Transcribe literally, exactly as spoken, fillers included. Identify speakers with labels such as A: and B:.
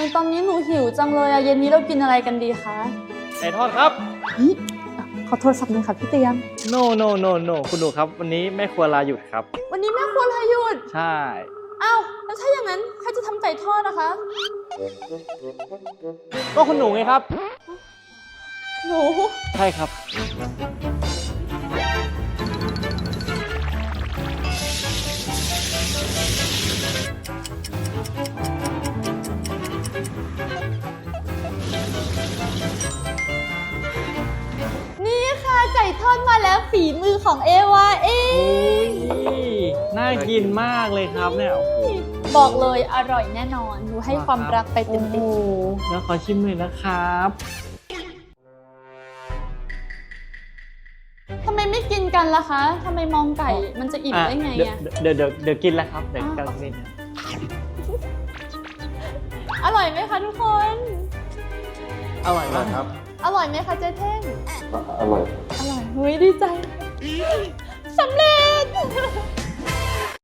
A: ตอนนี้หนูหิวจังเลยอะเย็นนี้เรากินอะไรกันดีคะ
B: ไก่ทอดครับ
A: เฮ้ยขอโทรศัพท์หน่อยค่ะพี่เตียม
B: no no no no คุณหนูครับวันนี้แม่ครัวลาหยุดครับ
A: วันนี้แม่ครัวลาหยุด
B: ใช่
A: อ้าวแล้วถ้าอย่างนั้นใครจะทำไก่ทอดนะคะ
B: ก็คุณหนูไงครับ
A: หนู
B: ใช่ครับ
A: นี่ค่ะไก่ทอดมาแล้วฝีมือของเอวาเอ
B: โอ้
A: ง
B: ยน่ากินมากเลยครับเนี่ยโอ้โห
A: บอกเลยอร่อยแน่นอนหนูให้ความรักไปเต็ม
B: โอ้โหแล้วขอชิมหน่อยนะครับ
A: ๆทำไมไม่กินกันล่ะคะทำไมมองไก่มันจะอิ่มได้ไง
B: เดี๋ยว
A: อะ
B: เดี๋ยวเดี๋ยวเดี๋ยวกินแล้วครับเดี๋ยวกำลังกินนะ
A: อร่อยไหมคะทุกคน
B: อร่อยมากครับ
A: อร่อยไหมคะเจ๊เท่ง
C: อร่อย
A: อร่อยเฮ้ยดีใจสำเร็จ